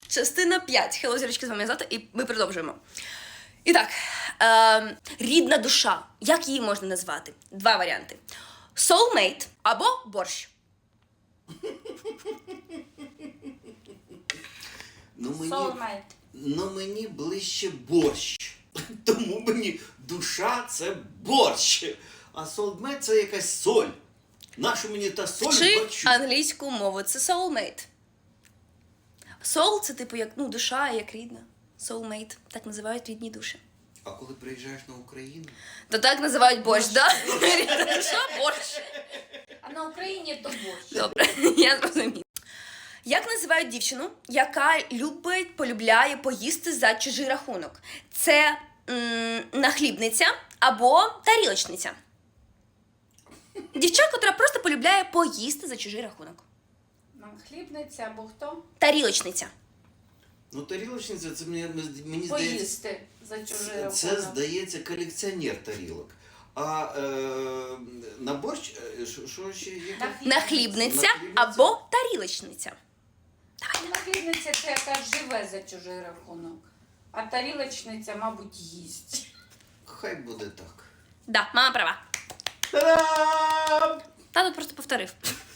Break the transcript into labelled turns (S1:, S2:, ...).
S1: Частина 5. Хелло, зірочки, з вами Злата, і ми продовжуємо. І так, рідна душа. Як її можна назвати? Два варіанти. Soulmate або борщ.
S2: Soulmate.
S3: Мені ближче борщ. Тому мені душа це борщ. А soulmate це якась соль. Нащо мені та соль в
S1: Чи
S3: борщу?
S1: англійську мову це soulmate. Soul – це типу як душа, як рідна. Soulmate. Так називають рідні душі.
S3: А коли приїжджаєш на Україну?
S1: То так називають борщ, так? Рідна душа – борщ.
S2: А на Україні то борщ.
S1: Добре, я зрозуміла. Як називають дівчину, яка полюбляє поїсти за чужий рахунок? Це нахлібниця або тарілочниця. Дівча, котра просто полюбляє поїсти за чужий рахунок.
S2: Хлібниця або хто?
S1: Тарілочниця.
S3: Тарілочниця, це мені здається...
S2: Поїсти за чужий рахунок.
S3: Це, здається, колекціонер тарілок. А на борщ, що ще є?
S1: Нахлібниця або тарілочниця.
S2: Нахлібниця це яка живе за чужий рахунок. А тарілочниця, мабуть, їсть.
S3: Хай буде так.
S1: Да, мама права.
S3: Та-дам!
S1: Тато просто повторив.